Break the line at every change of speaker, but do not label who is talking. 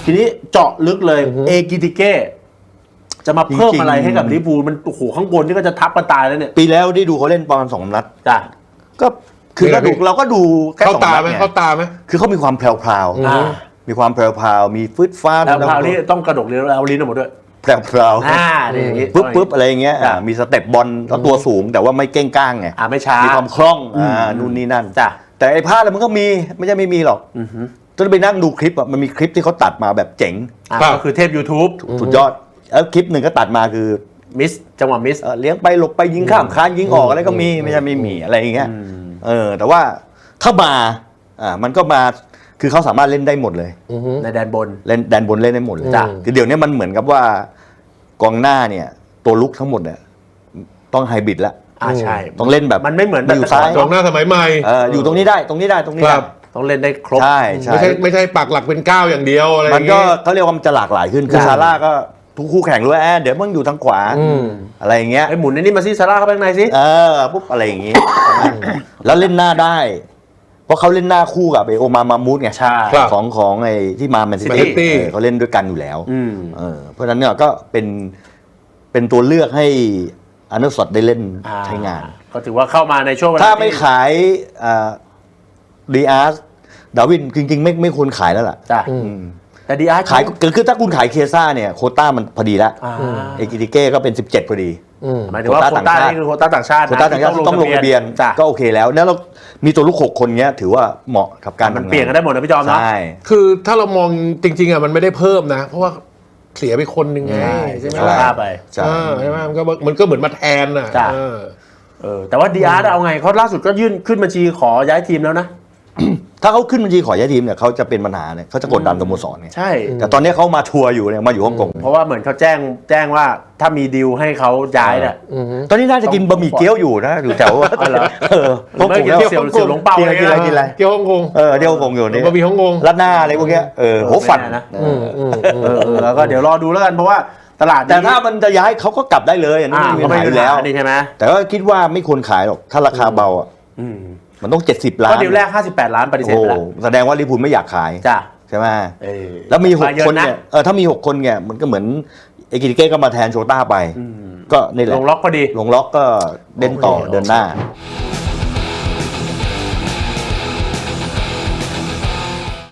ทีนี้เจาะลึกเลยเอกิติเก้จะมาเพิ่มอะไรให้กับลิเวอร์พูลมันโอ้โหข้างบนนี่ก็จะทับกันตายแล้วเนี่ย
ปีแล้วได้ดูเขาเล่นประมาณ2 นัด
จ้ะ
ก็คือเราก็ดูแค่2 นัดไง
เข้าตาไหม
คือเขามีความแพรวๆมีความแพรวๆมีฟึดฟ้า
แล้วคราวนี้ต้องกระดกเรียนเอาลิ้นออกมาด้วย
แพรวๆปึ๊บอะไรอย่างเงี้ยมีสเต็ปบอลแล้วตัวสูงแต่ว่าไม่เก้งก้างไง
ไม่ช้า
มีความคล่องนู่นนี่นั่น
จ้ะ
แต่ไอ้พลาดมันก็มีไม่ใช่ไม่มีหรอกจนไปนั่งดูคลิปมันมีคลิปที่เขาตัดมาแบบเจ๋ง
ก็คือเทพ YouTube
สุดยอดแล้วคลิปหนึ่งก็ตัดมาคือ
มิสจังหวะมิส
เลี้ยงไปหลบไปยิงข้ามคานยิงออกอะไรก็มีไม่ใช่ไม่มีอะไรอย่างเงี้ยแต่ว่าถ้ามามันก็มาคือเขาสามารถเล่นได้หมดเลย
ในแดนบน
เล่นแดนบนเล่นได้หมดเลยคือเดี๋ยวนี้มันเหมือนกับว่ากองหน้าเนี่ยตัวลุกทั้งหมดเนี่ยต้องไฮบริดแล้ว
ใช่
ต้องเล่นแบบ
มันไม่เหมือน
อยู่ซ้าย
กองหน้าสมัยใหม่
อยู่ตรงนี้ได้ตรงนี้ได้
ต้องเล่นได้ครบ
ใช่
ไม่ใช่ปักหลักเป็น9อย่างเดียวอะไร
มันก็เขาเรียกว่ามันจะหลากหลายขึ้นคือซาร่าก็ทุกคู่แข่งรู้เดี๋ยวมึงอยู่ทางขวาอะไรอย่างเงี้ย
ไอ้หมุนนี่มาซิซาร่าเข้าไปข้างในสิ
ปุ๊บอะไรอย่างงี้แล้วเล่นหน้าได้เพราะเขาเล่นหน้าคู่กับโอมามามูดไงของไอ้ที่มาแมนซิตี้เขาเล่นด้วยกันอยู่แล้วเพราะฉะนั้นเนี่ยก็เป็นตัวเลือกให้อาร์เนอร์สล็อตได้เล่นใช้งาน
ก็ถือว่าเข้ามาในช่วงเวลา
ถ้าไม่ขายดีอาร์ดาวินจริงๆไม่ควรขายแล้วล่ะ
แต่ดีอาร์
ขายคือถ้าคุณขายเคซ่าเนี่ยโควต้ามันพอดีแล้วเอกิติเก้ก็เป็น17พอดี
หมายถึงว่าโควต้านี่คือโควต้าต่างชาติ
ต้องลงทะเบียนก็โอเคแล้วแล้วเรามีตัวลูก6 คนเงี้ยถือว่าเหมาะกับการ
มันเปลี่ยนกันได้หมดนะพี่จอมนะ
ใช่
คือถ้าเรามองจริงๆมันไม่ได้เพิ่มนะเพราะว่าเสียไปคนหนึ่งไงใช่ไหม
ไป
ใช่ไหมมันก็เหมือนมาแทนอ่ะ
แต่ว่าดีอาร์เอาไงเขาล่าสุดก็ยื่นขึ้นบัญชีขอย้ายทีมแล้วนะ
ถ้าเขาขึ้นบัญชีขอย้ายทีมเนี่ยเขาจะเป็นปัญหาเนี่ยเขาจะกดดันสโมสรเนี่ย
ใช่
แต่ตอนนี้เขามาทัวร์อยู่เนี่ยมาอยู่ฮ่องกง
เพราะว่าเหมือนเขาแจ้งว่าถ้ามีดีลให้เขาย้ายเนี่ย
ตอนนี้น่าจะกินบะหมี่เกี๊ยวอยู่นะอยู่แถว
พวกผมเสี่ยวหลงเปา
กินอะไร
เกี๊ยวฮ่องกง
เกี๊ยวฮ่องกงอยู่นี่
บะหมี่ฮ่องกง
รัดหน้าอะไรพวกเนี้ยโหฝัน
นะแล้วก็เดี๋ยวรอดูแล้วกันเพราะว่าตลาด
แต่ถ้ามันจะย้ายเขาก็กลับได้เลยอันนี้ไม่มีแล้ว
นี่ใช่ไหม
แต่ก็คิดว่าไม่ควรขายหรอกถ้าราคาเบาอ่ะมันต้อง70 ล้าน
ก็ดีลแรก58 ล้านปฏิเสธแล้ว
แสดงว่าลิเวอร์พูลไม่อยากขายใช่ไหมแล้วมี6 คนเนี่ยถ้ามี6 คนเนี่ยมันก็เหมือนเอกิติเก้ก็มาแทนโชต้าไปก็นี่แหละ
ลงล็อกพอดี
ลงล็อกก็เล่นต่อเดินหน้า